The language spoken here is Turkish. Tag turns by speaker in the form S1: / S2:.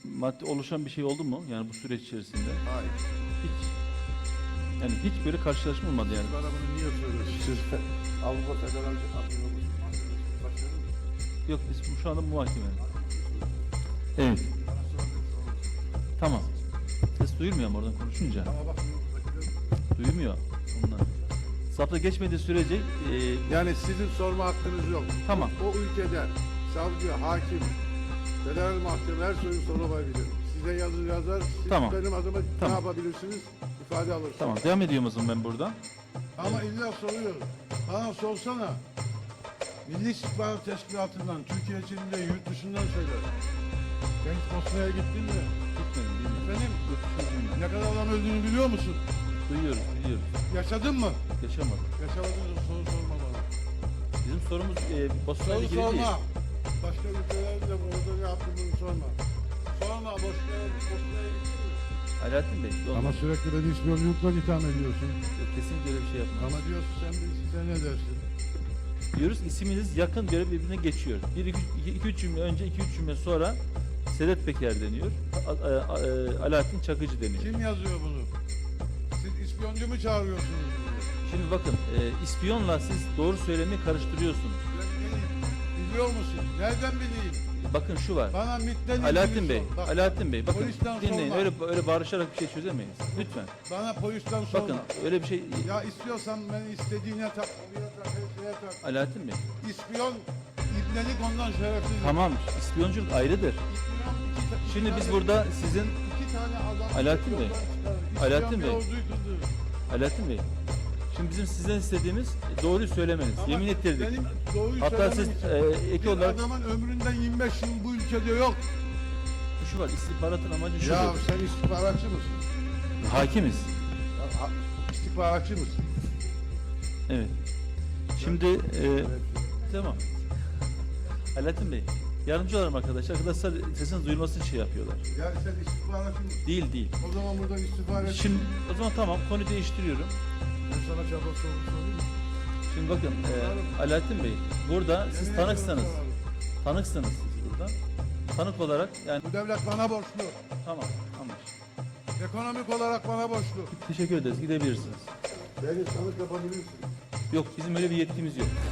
S1: maddi oluşan bir şey oldu mu? Yani bu süreç içerisinde.
S2: Hayır.
S1: Hiç. Yani hiç böyle karşılaşma olmadı yani.
S2: Bana bunu niye soruyorsunuz? Avrupa Federal Başkanı.
S1: Yok biz şu anda muhakeme. Evet. Tamam. Ses duyulmuyor mu oradan konuşunca?
S2: Ama bak
S1: Duyulmuyor. Ondan. Zapta geçmediği sürece
S2: yani sizin sorma hakkınız yok.
S1: Tamam.
S2: O ülkede savcı, hakim, federal mahkeme her soruyu sorabilir. Size yazar, siz
S1: Tamam.
S2: benim adıma ne
S1: Tamam.
S2: yapabilirsiniz? İfade alırsınız.
S1: tamam devam ediyorum o zaman ben buradan.
S2: Ama illa soruyorum. Bana sorsana. Milli İstihbarat Teşkilatı'ndan, Türkiye içinde, yurt dışından söyler. Sen hiç Bosna'ya gittin mi?
S1: Gitmedim, bilmiyorum.
S2: Efendim?
S1: Yurt dışına bilmiyorum.
S2: Ne kadar adam öldüğünü biliyor musun?
S1: Duyuyoruz, biliyoruz.
S2: Yaşadın mı?
S1: Yaşamadık.
S2: Yaşamadın mı? Soru sorma bana.
S1: Bizim sorumuz Bosna'yla
S2: Soru
S1: ilgili değil.
S2: sorma. Başka ülkelerde burada ne yaptığını sorma. Sorma, Bosna'ya gittin mi?
S1: Alaaddin Bey, yolda.
S2: Ama sürekli beni ispiyonculukla itham ediyorsun.
S1: Kesinlikle öyle bir şey yapmaz.
S2: Ama diyorsun sen ne dersin?
S1: Diyoruz isminiz yakın göre birbirine geçiyor. 2-3 cümle önce, 2-3 cümle sonra Sedat Peker deniyor. Alaaddin Çakıcı deniyor.
S2: Kim yazıyor bunu? Siz ispiyoncu mu çağırıyorsunuz?
S1: Şimdi bakın ispiyonla siz doğru söylemeyi karıştırıyorsunuz.
S2: Ben bileyim. Biliyor musun? Nereden bileyim?
S1: Bakın şu var.
S2: Bana MİT'ten
S1: Alaaddin
S2: ilgili
S1: Bey,
S2: sor. Bak,
S1: Alaaddin Bey bakın
S2: polisten
S1: dinleyin.
S2: sorma.
S1: Öyle bağırışarak bir şey çözemeyiz. Lütfen.
S2: Bana polisten sorma.
S1: Bakın öyle bir şey
S2: Ya istiyorsan beni istediğine tak, oraya tak, her şeye tak.
S1: Alaaddin Bey.
S2: İspiyon, ibnelik ondan şerefsiz.
S1: Tamam, ispiyonculuk ayrıdır.
S2: İspiyon iki
S1: Şimdi biz
S2: tane-
S1: burada sizin
S2: iki tane adam
S1: Alaaddin Bey,
S2: yoldan çıkarır.
S1: Alaaddin
S2: İspiyon
S1: Bey.
S2: bir orduydu.
S1: Alaaddin Bey. Şimdi bizim sizden istediğimiz doğruyu söylemeniz.
S2: Ama
S1: Yemin ettirdik.
S2: Benim doğruyu
S1: Hatta siz
S2: söylemem için
S1: ek
S2: bir
S1: olarak
S2: adamın ömründen 25 yıl bu ülkede yok.
S1: şu var. İstihbaratın amacı şudur.
S2: Ya sen istihbaratçı mısın?
S1: Hakimiz.
S2: İstihbaratçı mısın?
S1: Evet. Şimdi tamam. Alaaddin Bey. Yardımcı olalım arkadaşlar. Arkadaşlar sesiniz duyulması için şey yapıyorlar.
S2: Yani sen istihbaratçı mısın?
S1: Değil.
S2: O zaman buradan istihbarat...
S1: Şimdi o zaman tamam konuyu değiştiriyorum.
S2: Ben sana çabuk soru sorayım mı?
S1: Şimdi bakın Alaaddin Bey burada siz
S2: Yemin
S1: tanıksınız.
S2: ediyorum sorarım.
S1: Tanıksınız siz burada. Tanık olarak yani
S2: Bu devlet bana borçlu.
S1: tamam anlaş.
S2: Ekonomik olarak bana borçlu.
S1: Teşekkür ederiz. Gidebilirsiniz.
S2: Beni tanık yapabilirsin.
S1: Yok bizim öyle bir yetkimiz yok.